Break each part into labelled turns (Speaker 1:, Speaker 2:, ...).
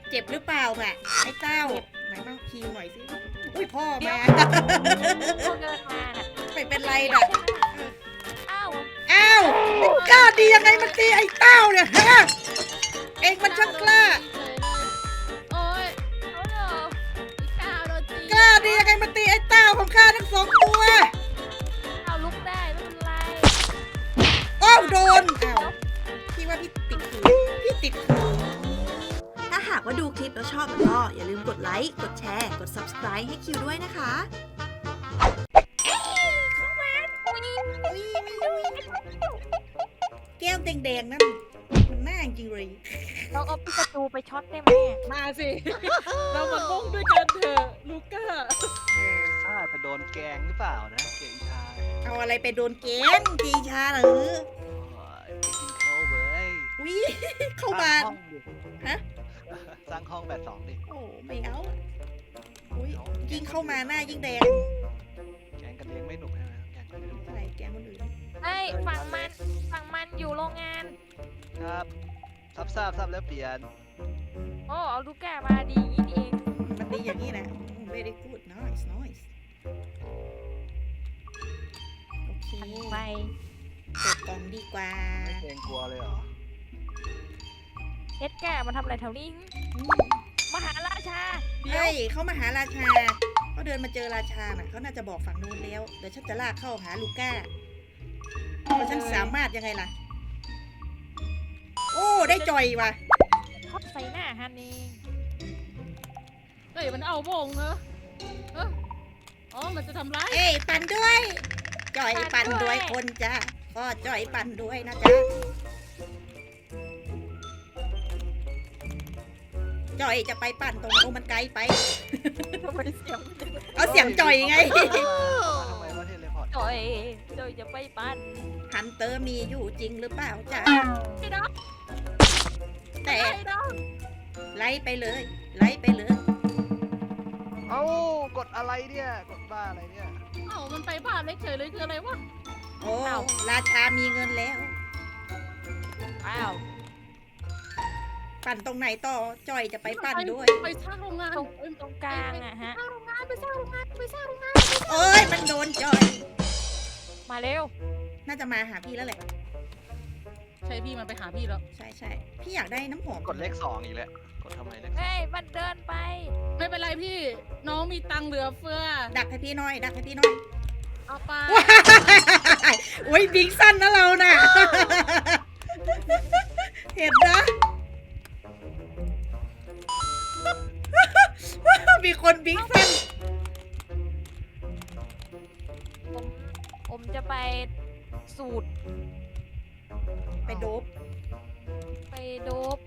Speaker 1: เจ็บหรือเปล่าแม่ไอ้เต้าไหนมาคีหน่อยสิอุ้ยพ่อมา
Speaker 2: เขาเดินมาน่ะ
Speaker 1: ไม่เป็นไรน่ะ
Speaker 2: อ้าว
Speaker 1: อ้าวกล้าดียังไงมันตีไอ้เต้าเนี่ยฮะเองมันช่างกล้า
Speaker 3: โอ้ย
Speaker 2: เอาเหรอ
Speaker 3: พี่ก้าวโดนตี
Speaker 1: กล้าดียังไงมันตีไอ้เต้าของข้าทั้งสองตัว
Speaker 2: เอาลุกได้ไม่เป็นไร
Speaker 1: โอ้โดนอ้าวพี่ว่าพี่ติดขืนพี่ติดขืน
Speaker 4: ถ้าหากว่าดูคลิปแล้วชอบก็อย่าลืมกดไลค์ กดแชร์ กด Subscribe ให้คิวด้วยนะคะ
Speaker 1: แก้วแดงๆนั่นมันน่าจริงเลย
Speaker 2: เราเอาปิกาจูไปช็อตได้ไหม
Speaker 3: มาสิ เรามามุ่งด้วยกันเถอะลูก้า
Speaker 5: ข้าจะโดนแกงหรือเปล่านะเก่งชาย
Speaker 1: เอาอะไรไปโดนเกมจีชาเหรอ
Speaker 5: โอ้ยไปกินข้าวเว้ย
Speaker 1: วิเข้ามา
Speaker 5: สร้งห้องดิ
Speaker 1: ฮะ
Speaker 5: สร้างห้องแบบ2ดิ
Speaker 1: โอ้ไม่เอาอุ้ยยิ่งเข้ามาหน้ายิ่งแดง
Speaker 5: แกงกันเลี้ยงไม่หนุกใช่ไหมแกงกันเลี้ยง
Speaker 1: ใช่แกงคนอื่น
Speaker 2: เฮ้ยฝั่งมันอยู่โรงงาน
Speaker 5: ครับทราบแล้วเปลี่ยน
Speaker 2: โอ้เอาลูกแก้มาดีอย่างนี้นี่เอง
Speaker 1: มันดีอย่างนี้นะ very good nice nice โอเค
Speaker 2: ไป
Speaker 1: เปิดกล่องดีกว่า
Speaker 5: ไม่เกรงกลัวเลยเหรอ
Speaker 2: เอ็ดแก้มาทำอะไรแถวนี้
Speaker 1: อืม
Speaker 2: มหาราชาเดี๋ยว
Speaker 1: เฮ้ยเขามาหาราชาเขาเดินมาเจอราชาน่ะเขาน่าจะบอกฝั่งนู้นแล้วเดี๋ยวฉันจะลากเข้าหาลูก้าเพราะฉันสามารถยังไงล่ะ โอ้ได้จ่อยว่ะ
Speaker 2: ทอดใส่หน้าฮันเอง
Speaker 3: เฮ้ยมันเอาโบงเหรอเอออ๋อมันจะทำร้าย
Speaker 1: เอ้ยปั่นด้วยจ่อยปั่นด้วยคนจ้าก็จ่อยปั่นด้วยนะจ๊ะจ่อยจะไปปั่นตรงโอ้มันไกลไป
Speaker 2: ทำไมเสียง
Speaker 1: เอาเสียงจ่อยไง
Speaker 5: มาทำไมวะเทเลพอร์ต
Speaker 2: จ่อยจ่อยจะไปปั้น
Speaker 1: ฮันเตอร์มีอยู่จริงหรือเปล่าจ๊ะ
Speaker 3: ไอ้ดอก
Speaker 1: แต่
Speaker 3: ไอ้ดอก
Speaker 1: ไล่ไปเลย ไล่ไปเลย
Speaker 5: เอ้ากดอะไรเนี่ยกดบ้าอะไรเนี่ย
Speaker 3: เอ้ามันไปบ้านเล็กเฉยเลยคืออะไรวะ
Speaker 1: โอ้ราชามีเงินแล้ว
Speaker 2: อ้าว
Speaker 1: ปั่นตรงไหนต่อจ่อยจะไปปั่นด้วย
Speaker 3: ไปสร้างโรงงาน
Speaker 2: ตรงกลางอะฮะ
Speaker 3: สร้างโรงงานไปสร้างโรงงานไปสร้างโรงงาน
Speaker 1: เอ้ยมันโดนจ่อย
Speaker 2: มาเร็ว
Speaker 1: น่าจะมาหาพี่แล้วแหละ
Speaker 3: ใช่พี่มันไปหาพี่แล้ว
Speaker 1: ใช่ใช่พี่อยากได้น้ำหอม
Speaker 5: กดเลข2อีกแล้วกดทำไมเลข
Speaker 2: เฮ้ยมันเดินไป
Speaker 3: ไม่เป็นไรพี่ น้องมีตังค์เหลือเฟือ
Speaker 1: ดักให้พี่หน่อย ดักให้พี่หน่อย
Speaker 3: เอาไป
Speaker 1: ว้ายโอ้ยบิ๊กสั้นนะเราน่ะ เห็นนะ มีคนบิ๊กสั้น
Speaker 2: ผมจะไปสูตร
Speaker 1: ไปโดบ
Speaker 2: ไปโดบ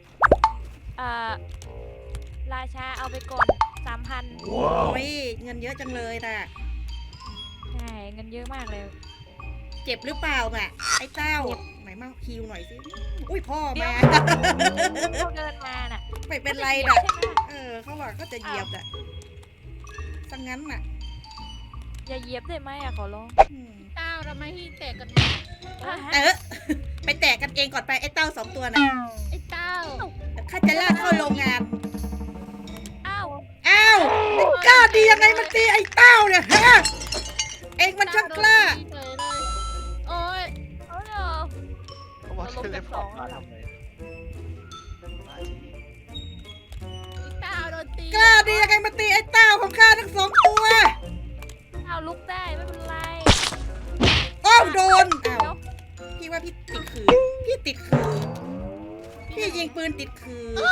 Speaker 2: ราชาเอาไปก่อน 3,000
Speaker 1: โอ้ยเงินเยอะจังเลยน่ะ
Speaker 2: ใช่เงินเยอะมากเลย
Speaker 1: เจ็บหรือเปล่าแม่ไอ้เต้าไหนมาคิวหน่อยสิ อุ้ยพ่อมา
Speaker 2: เขาเดินมาน่ะ
Speaker 1: ไม่เป็นไร
Speaker 2: ม่
Speaker 1: น่ะ
Speaker 2: ใช่ไหม
Speaker 1: เขาบอกก็จะเหยียบน่ะสังงั้นน่ะ
Speaker 2: อย่าเหยียบได้ไหมอะขอร้อง
Speaker 1: อืม
Speaker 3: เต้าทำไมที่แตกกัน
Speaker 1: ไปแตกกันเองก่อนไปไอ้เต้าสองตัวน่ะ
Speaker 3: ไอ้เต้า
Speaker 1: ข้าจะลากเข้าโรงงาน
Speaker 2: อ้าว
Speaker 1: อ้าวกล้าดียังไงมันตีไอ้เต้าเนี่ยฮะ เองมันช่างกล้า
Speaker 3: เฉยเลยโอ้ย
Speaker 2: เอาเหรอ
Speaker 5: เขาบอกเทเลพอร์ตมาทำไมมาที
Speaker 3: ไอ้เต้าโดนตี
Speaker 1: กล้าดียังไงมันตีไอ้เต้าของข้าทั้งสองตัว
Speaker 2: เอาลุกได้ไม่เป็นไร
Speaker 1: โอ้โดนอ้าวพี่ว่าพี่ติดขืนพี่ติดขืนพี่ยิงปืนติดขืน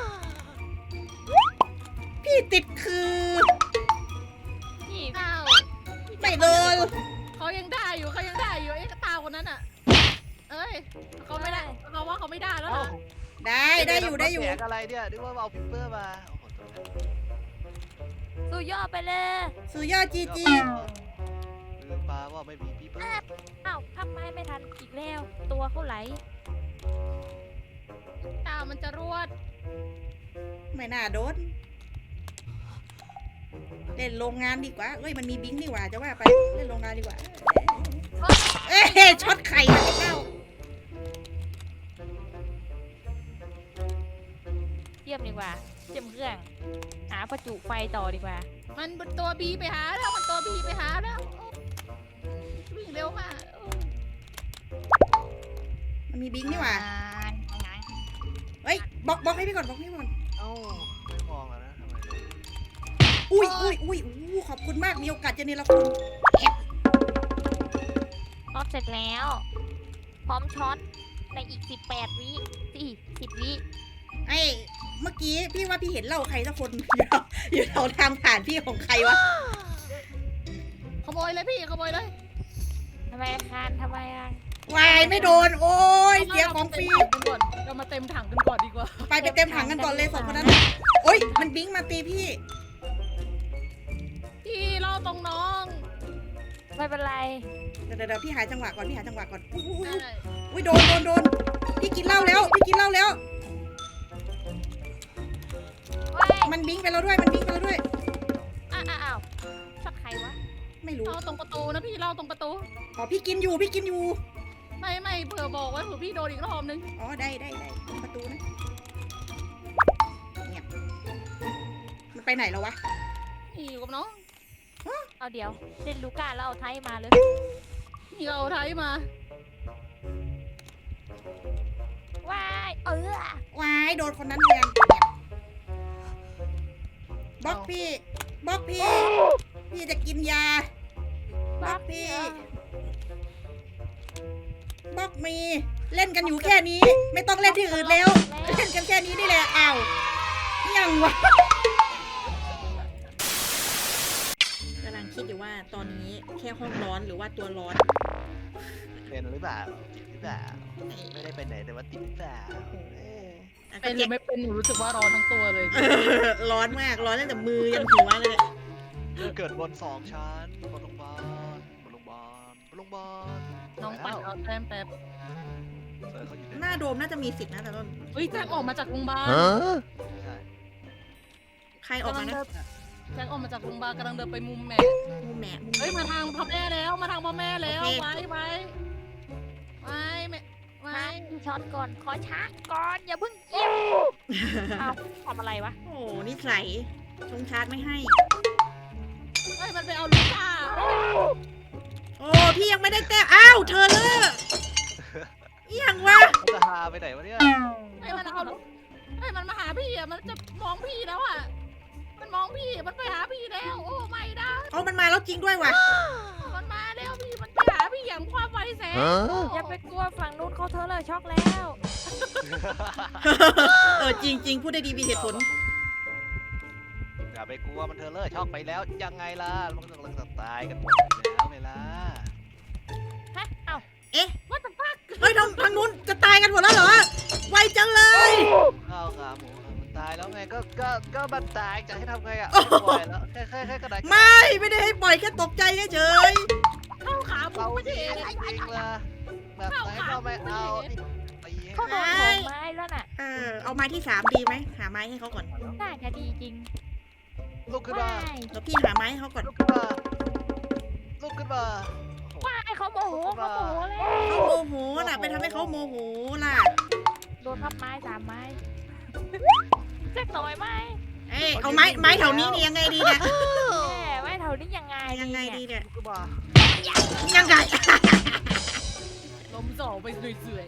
Speaker 1: พี่ติดขืน
Speaker 2: นี่
Speaker 3: เต้า
Speaker 1: ไม่โดน
Speaker 3: เขายังได้อยู่เขายังได้อยู่ไอ้เต้าคนนั้นอ่ะ เอ้ยเขาไม่ได้เขาว่าเขาไม่ได้แล้ว
Speaker 5: เอ้า
Speaker 3: นะ
Speaker 1: ได้อยู่ได้อยู่
Speaker 5: แจกอะไรเนี่ยนึกว่าเอาพิมเปอร์มาโอ้โหตัวนั้น
Speaker 2: สู้ย่อไปเลย
Speaker 1: สุดยอดจีจี
Speaker 5: ลืมปลาว่าไม่มีพิมเปอร์
Speaker 2: อ้าวทำไมไม่ทันอีกแล้ว ตัวเขาไหล
Speaker 3: เต้ามันจะรวด
Speaker 1: ไม่น่าโดนเล่นโรงงานดีกว่าเอ้ยมันมีบิงนี่หว่าจะว่าไปเล่นโรงงานดีกว่าเอ้ยช็อตไข่ไอ้เต้า
Speaker 2: เยี่ยมนี่ดีกว่าเจมเครื่องหาประจุไฟต่อดีกว่า
Speaker 3: มันตัวบีไปหาแล้วมันตัวบีไปหาแล้ววิ่งเร็วมาก
Speaker 1: มันมีบิงนี่หว่าเฮ้ยบล็อกให้พี่ก่อนบล็อกให้พี่ก่อน
Speaker 5: เอ้าไม่มองอะนะทำไม
Speaker 1: อุ้ยขอบคุณมากมีโอกาสจะเนรคุณ
Speaker 2: รอบเสร็จแล้ว พร้อมช็อตในอีก18 วิ10 วิ
Speaker 1: ไอ้เมื่อกี้พี่ว่าพี่เห็นเหล่าใครสักคน อยู่แถวทางผ่านพี่ของใครวะ
Speaker 3: ขโมยเลยพี่ขโมยเลย
Speaker 2: ทำไมคานทำไมอ่ะ
Speaker 1: วายไม่โดนโอ้ยเสียของฟรี
Speaker 3: เรามาเต็มถังกันก่อนดีกว่า
Speaker 1: ไปเต็มถังกันก่อนเลยสองคนนั้นโอ้ยมันบิงมาตีพี่
Speaker 3: พี่ล่อตรงน้อง
Speaker 2: ไม่เป็นไร
Speaker 1: เดี๋ยวพี่หาจังหวะก่อนพี่หาจังหวะก่อนอุ้ย
Speaker 3: ได้
Speaker 1: อุ้ยโดนพี่กินเหล้าแล้ว
Speaker 2: ว้าย
Speaker 1: มันบิงไปแล้วด้วย
Speaker 2: อ้าวช็อตใครวะ
Speaker 1: ไม่รู้
Speaker 3: ล่อตรงประตูนะพี่ล่อตรงประตู
Speaker 1: อ๋อพี่กินอยู่
Speaker 3: ไม่เผื่อบอกไว้เผื่อพี่โดนอีกรอบนึง
Speaker 1: อ๋อได้ตรงประตูนะเนี่ยมันไปไหนแล้ววะ
Speaker 3: นี่อยู่กับน้อง
Speaker 2: เอาเดี๋ยวเล่นลูก้าแล้วเอาไทยมาเลย
Speaker 3: นี่เอาไทยมา
Speaker 2: ว้าย
Speaker 1: วายโดนคนนั้นแทนบล็อกพี่พี่จะกินยาบล็อกพี่บล็อกมีเล่นกันอยู่แค่นี้ ไม่ต้องเล่นที่อื่นแล้ว เล่นกันแค่นี้นี่แหละอ้าวยังวะกำลังคิดอยู่ว่าตอนนี้แค่ห้องร้อนหรือว่าตัวร้อน
Speaker 5: เป็นหรือเปล่าติดหรือเปล่าไม่ได้ไปไหนแต่ว่าติดหรือเปล่า
Speaker 3: เป็นหรือไม่เป็นหนูรู้สึกว่าร้อนทั้งตัวเลย
Speaker 1: ร้อนมากร้อนตั้งแต่มือยันหัวเลย
Speaker 5: เกิดบน2 ชั้นบนโรงพยาบาล
Speaker 3: น้องปั่นเอาแต้มแป๊บ
Speaker 5: เซอร์เขาอยู่
Speaker 1: หน้าโดมน่าจะมีสิทธิ์นะแต่ต้น
Speaker 3: เฮ้ยแจ็คออกมาจากโรงพยาบาล
Speaker 5: ใช่
Speaker 1: ใครออกมานะ
Speaker 3: แจ็คออกมาจากโรงพยาบาลกำลังเดินไปมุมแม่
Speaker 1: มูแหม่
Speaker 3: เฮ้ยมาทางพ่อแม่แล้วมาทางพ่อแม่แล้ว
Speaker 1: โอเค
Speaker 3: ไว้แม่
Speaker 2: มาที่ช็อตก่อนขอช้าก่อนอย่าเพิ่งเยี่ยมเอาทำอะไรวะ
Speaker 1: โอ้นิสัยชงชาร์จไม่ให้
Speaker 3: เฮ้ยมันไปเอาลูกค้า
Speaker 1: โอ้พี่ยังไม่ได้แต้มอ้าวเธอเลยยังวะ
Speaker 5: มันจะหาไปไหนวะเนี่ย
Speaker 3: เฮ้ยมันเอาลูกเฮ้ยมันมาหาพี่อ่ะมันจะมองพี่แล้วอ่ะมันมองพี่มันไปหาพี่แล้วโอ้ไม่ได้
Speaker 1: เอามันมาแล้วจริงด้วยว่ะ
Speaker 3: มันมาแล้วพี่มันไปหาพี่อย่างความไวแสง
Speaker 2: อย่าไปกลัวฝั่งนู้นเขาเธอเลยช็อกแล้ว
Speaker 1: จริงพูดได้ดีมีเหตุผล
Speaker 5: อย่าไปกลัวมันเธอเลิกช็อกไปแล้วยังไงล่ะมันกำลังจะตายกันหมดแล้วไงล่ะ
Speaker 2: ฮะเอ้า
Speaker 3: ว่าแต่ฟัก
Speaker 1: เฮ้ยทางนู้นจะตายกันหมดแล้วเหรอไวจังเลย
Speaker 5: ข้าวขาหมูมันตายแล้วไงก็มันตายจะให้ทำไงอ่ะปล่อยแล้วแค่กระดาษ
Speaker 1: ไม่ได้ให้ปล่อยแค่ตกใจเฉย
Speaker 3: เข้าขาผ
Speaker 5: เรา
Speaker 3: มไม่
Speaker 5: จ
Speaker 3: ใช่
Speaker 5: ริงจริงล่ะแบบไหนก็ไม่เอาตี
Speaker 2: เขาโดนของไม้แล้วน่ะ
Speaker 1: เอาไม้ที่3ดีไหมหาไม้ให้เขาก่อน
Speaker 2: น่าจะดีจริง
Speaker 5: ลุกขึ้นมา
Speaker 2: ว้าย
Speaker 1: แล้วพี่หาไม้ให้เขาก่อน
Speaker 5: ลุกขึ้นมาลุกขึ้นมา
Speaker 2: ว้ายเขาโมโหแล้ว
Speaker 1: เขาโมโหน่ะไปทำให้เขาโมโหล่ะ
Speaker 2: โดนพับไม้3 ไม้แจ็คต่อยไม้
Speaker 1: เอาไม้แถวนี้นี่ยังไงดีเนี่ย
Speaker 2: แหมไม้เท่านี้ยังไง
Speaker 1: ยังไงดีเนี่ย
Speaker 5: ลุกขึ้นมา
Speaker 1: ยังไง
Speaker 3: ลมจ่อไปเสื่อย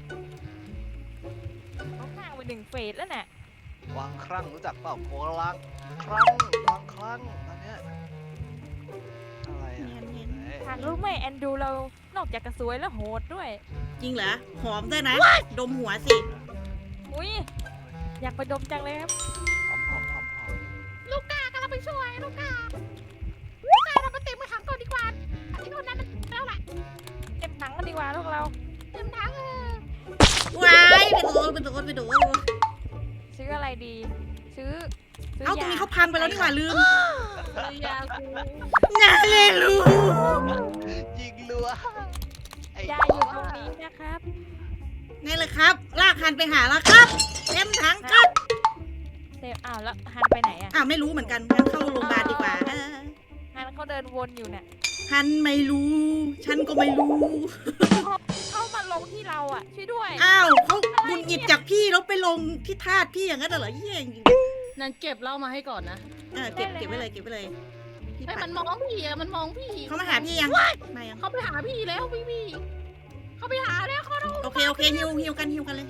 Speaker 2: เขาข้างไป1 เฟสแล้วน่ะ
Speaker 5: วางครั้งรู้จักเปล่าโคลังครั้งวางครั้งตอนเนี้ยอะไรอ่ะ
Speaker 2: ทางรู้ไหมแอนดูเรานอกจากกระสวยแล้วโหดด้วย
Speaker 1: จริงเหรอหอมด้วยนะดมหัวสิ
Speaker 2: อุ้ยอยากไปดมจังเลยครับ
Speaker 5: หอม
Speaker 3: ๆลูกกากำลังไปช่วยลูกกาทำมาเต็มถังก่อนดีกว่าอันนี้คนนั้นมันแล้วแหละ
Speaker 2: เต็มถังกันดีกว่าพวกเรา
Speaker 3: เต็มถัง
Speaker 1: ว้ายไปโดน
Speaker 2: ซื้ออะไรดีซื้อ
Speaker 1: เอาตรงนี้เขาพังไปแล้วนี่หว่าลืม
Speaker 3: ยาคู
Speaker 1: งานเลยลูก
Speaker 5: ยิงรัวย
Speaker 2: าอยู่ตรงนี้นะครับ
Speaker 1: นี่เลยครับ ลากหันไปหาแล้วครับเต็มถังครับ
Speaker 2: เดี๋ยวอ้าวแล้วฮันไปไหนอ่ะ
Speaker 1: ไม่รู้เหมือนกันงั้นเข้าโรงพยาบาลดีกว่า
Speaker 2: ฮันเขาเดินวนอยู่เนี่ย
Speaker 1: ฉันไม่รู้ ฉันก็ไม่รู้
Speaker 2: เขามาลงที่เราอ่ะ ช่วยด้วย
Speaker 1: อ้าวเขาหงุดหงิดจากพี่แล้วไปลงที่ทาสพี่อย่างนั้นเหรอเฮียจริง
Speaker 3: นั่นเก็บเหล้ามาให้ก่อนนะ
Speaker 1: เก็บไว้เลยเก็บไว้เลยพี่
Speaker 3: ไอ้ย
Speaker 1: ปั
Speaker 3: มั
Speaker 1: ด
Speaker 3: นมองพี่อะมันมองพี่
Speaker 1: เขามาหาพี่ยังมายัง
Speaker 3: เขาไปหาพี่แล้วพี่เขาไปหาแล้วเขาต้อง
Speaker 1: โอเคฮิวกันเลยฮิวกัน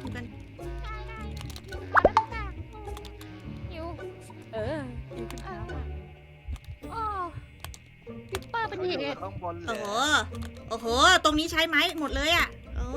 Speaker 2: หิวหิวขึ้นแล้วอ่ะ
Speaker 3: โอ้ปิปเปอร์เป็น
Speaker 5: เขา
Speaker 3: เห
Speaker 5: อยู่
Speaker 3: ตุ
Speaker 5: ข้างบนเล
Speaker 1: โอ้
Speaker 5: ย
Speaker 1: โหตรงนี้ใช้ไม้หมดเลยอ่ะโอ้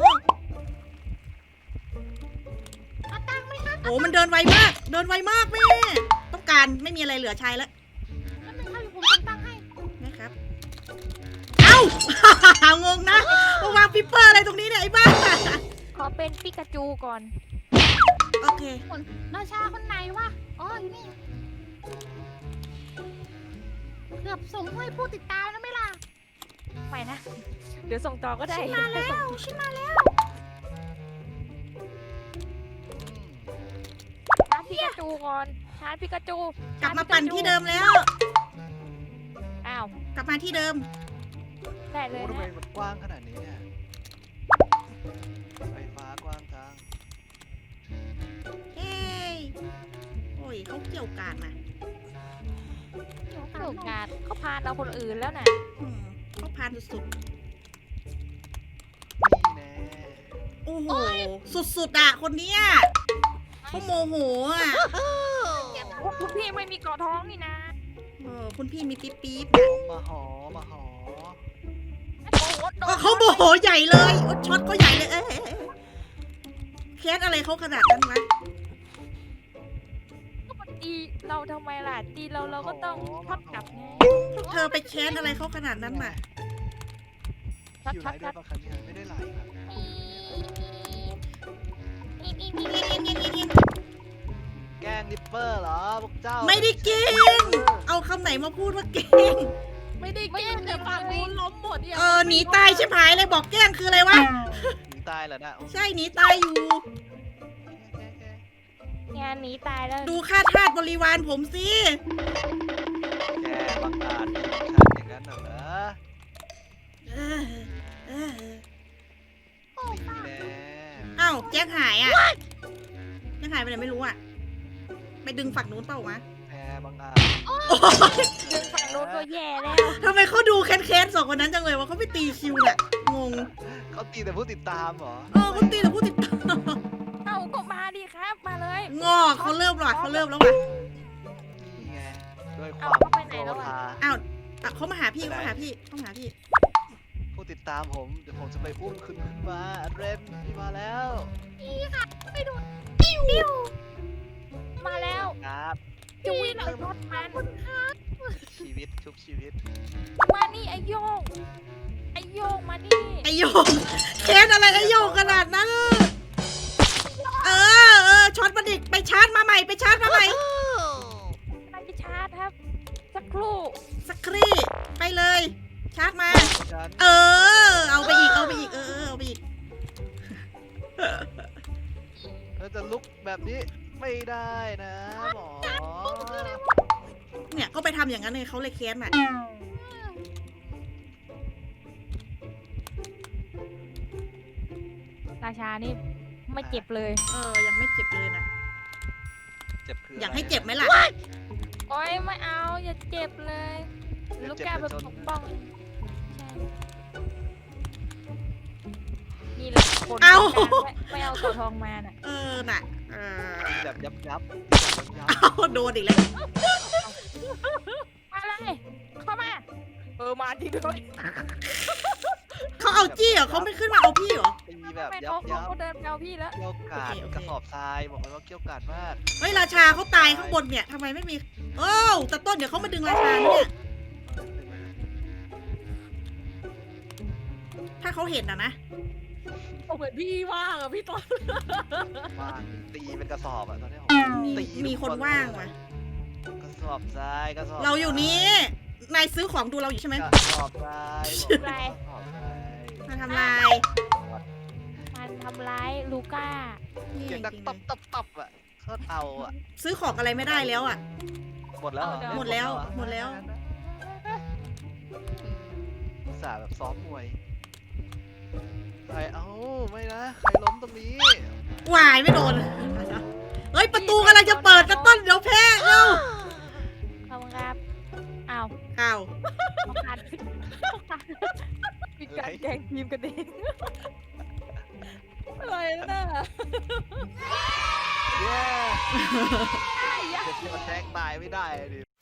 Speaker 3: เอาตังค์ไหมคะ
Speaker 1: โหมันเดินไวมากแม่ต้องการไม่มีอะไรเหลือใช้แล้ว
Speaker 3: นั่นเป็นค่ะผมส่งตังค์ให้
Speaker 1: นะครับเอ้า งงนะมาวางปิปเปอร์อะไรตรงนี้เนี่ยไอ้บ้า
Speaker 2: ขอเป็นปิกาจูก่อน
Speaker 1: โอเค
Speaker 3: ราชาคนไหนวะอ๋ออยู่นี่เกือบส่งให้ผู้ติดตามแล้วไหมล่ะ
Speaker 2: ไปนะ เดี๋ยวส่งต่อก็ได้
Speaker 3: ฉันมาแล้ว
Speaker 2: ชาร์จปิกาจูก่อน ชาร์จปิกาจู
Speaker 1: กลับมาปั่นที่เดิมแล้ว
Speaker 2: อ้าว
Speaker 1: กลับมาที่เดิม
Speaker 2: ได้เล
Speaker 5: โอ้
Speaker 2: ย
Speaker 5: ทำไม
Speaker 2: นะ
Speaker 5: มันกว้างขนาดนี้เนี่ยไฟฟ้ากว้างจัง
Speaker 1: เฮ้ยโอ้ยเขาเกี่ยวกาดมา
Speaker 2: โอกาสเขาพานเราคนอื่นแล้วนะ
Speaker 1: เขาพานสุด
Speaker 5: นี่แน่
Speaker 1: ๆ โอ้โห สุดๆอ่ะ คนเนี้ยเขาโมโหอ่ะ
Speaker 2: คุณพี่ไม่มีเกาะท้องนี่นะ
Speaker 1: คุณพี่มีปี๊บ
Speaker 5: มาหอ
Speaker 2: โอ้โหโดน
Speaker 1: เขาโมโหใหญ่เลยช็อตเขาใหญ่เลยแคสอะไรเขาขนาดนั้นวะ
Speaker 2: ก็มันตีเราทำไมล่ะตีเราก็ต้องช็อตกลับไง
Speaker 1: พวกเธอไปแคสอะไรเขาขนาดนั้นมา
Speaker 2: ช็อต
Speaker 5: อยู่
Speaker 2: ช็
Speaker 5: ไหน
Speaker 2: อต
Speaker 5: ได้
Speaker 2: ช็อต
Speaker 5: ปะคันนี้ไม่ได้ไหลครับแกล้งดิปเปอร์เหรอพวกเจ้า
Speaker 1: ไม่ได้เก่งเอาคำไหนมาพูดว่าเก่ง
Speaker 3: ไม่ได้แกล้งแต่ฝั่งนู้นล้มหมดเนี่ย
Speaker 1: หนีตายชิบหายเลยบอกแกล้งคืออะไรวะ
Speaker 5: หนีตายเหรอนะโอเค
Speaker 1: ใช่หนีตายอยู่
Speaker 2: งานหนีตายแล้ว
Speaker 1: ดูค่าทาสบริวารผมสิ
Speaker 5: แกบังอาจฉันอย่างนั้นเหรอ
Speaker 1: เออเออ
Speaker 5: นี่แน่
Speaker 1: เอ้าแจ็คหายอ่ะแจ็คหายไปไหนไม่รู้อ่ะ ไปดึงฝั่งนู้นเปล่าวะ
Speaker 5: แพ้บังอาจ
Speaker 2: ดึงฝั่งโน้นก็แย่แล้ว
Speaker 1: ทำไมเขาดูแค้นๆสองคนนั้นจังเลยว่าเขาไปตีคิวน่ะงง
Speaker 5: เขาตีแต่ผู้ติดตามเหรอ
Speaker 1: เขาตีแต่ผู้ติดตาม
Speaker 2: เอาก็มาดิครับ มาเลย
Speaker 1: งอเขาเริ่มหรอเขาเริ่มแล้วว่ะ
Speaker 5: นี่ไงด้วยควา
Speaker 2: เอา
Speaker 5: ม
Speaker 2: เขาไปไหนแล้วอะ
Speaker 5: โกรธา
Speaker 1: อ้าวเขามาหาพี่เขามาหาพี่เขามาหาพี่
Speaker 5: ผู้ติดตามผมเดี๋ยวผมจะไปอุ้มขึ้นมาเรนพี่มาแล้ว
Speaker 2: มาแล้ว
Speaker 5: ครับ
Speaker 2: จุยเลยรถมัน
Speaker 5: ชีวิตชุบชีวิต
Speaker 2: มานี่ไอโยงไอโยงมานี่
Speaker 1: ไอโยงแค้นอะไรไอโยงขนาดนั้นช็อตมาดิไปชาร์จมาใหม่ไปชาร์จมาใหม่
Speaker 2: มันจะชาร์จครับ สักครู่
Speaker 1: สักครี่ไปเลย ชาร์จมา
Speaker 5: ฉัน
Speaker 1: เอาไปอีกเอาไปอีกเอาไปอีก
Speaker 5: เราจะลุกแบบนี้ไม่ได้นะหมอ
Speaker 1: เนี่ยก็ไปทำอย่างนั้นเลยเขาเลยแค้นอ่ะ
Speaker 2: ราชานี่ไม่เจ็บเลย
Speaker 1: ยังไม่เจ็บเลยนะ
Speaker 5: เจ็บคือ
Speaker 1: อ
Speaker 5: อย
Speaker 1: ากให้เจ็บไหมล่ะ
Speaker 2: โอ้ยไม่เอาอย่าเจ็บเลย ลูกแก้วเป็นปกป้องใช่นี่แหละคน
Speaker 1: เอา
Speaker 2: ไม่เอาตัวทองมาน่ะ
Speaker 1: น่ะ
Speaker 5: แบบยับยับ
Speaker 1: โดนอีกแล้ว
Speaker 2: มาเลย เข้ามา มาจริงด้วย
Speaker 1: เขาเอาจี้เหรอเขาไม่ขึ้นมาเอาพี่เหรอ
Speaker 5: ตีแบบ
Speaker 2: เป็น
Speaker 5: ยั
Speaker 2: โอ้
Speaker 5: บ
Speaker 2: โห
Speaker 5: ยับ
Speaker 2: เขาเดินไปเอาพี่แล้ว
Speaker 5: เกี่ยวกาด
Speaker 1: โอเค
Speaker 5: กระสอบทรายบอกเลยว่าเกี่ยวกาดมาก
Speaker 1: เฮ้ยราชาเขาตายข้างบนเนี่ยทำไมไม่มีแต่ต้นเดี๋ยวเขามาดึงราชานะเนี่ยถ้าเขาเห็นนะ
Speaker 3: เหมือนพี่ว่างอะพี่ต้น
Speaker 5: ว่างตีเป็นกระสอบอะตอนนี้
Speaker 1: มีคนว่างว่ะ
Speaker 5: กระสอบทรายกระสอบ
Speaker 1: เราอยู่นี้นายซื้อของดูเราอยู่ใช่ไหม
Speaker 5: กระสอบทราย
Speaker 2: อะไร
Speaker 1: มาทำลาย
Speaker 2: มันทำร้ายลูก้า
Speaker 1: นี่
Speaker 5: เสียงดัง
Speaker 1: จริง
Speaker 5: ตับตับตับอะเขาเอาอะ
Speaker 1: ๆซื้อของอะไรไม่ได้แล้วอ่ะ
Speaker 5: หมดแล้วเหรอ
Speaker 1: หมดแล้วหมดแล้ว
Speaker 5: อุตส่าห์แบบซ้อมมวยใครเอ้าไม่นะใครล้มตรงนี้
Speaker 1: วายไม่โดน เฮ้ย ประตูกำลังจะเปิดนะต้นเดี๋ยวแพ้เร็ว
Speaker 2: ขอบคุณครับอ้าว
Speaker 1: ข่าว
Speaker 2: ต้องการมีการแกล้งทีมกันเอง
Speaker 3: อะไรน่ะ
Speaker 5: เย้เดี๋ยวแทงตายไม่ได้ดิ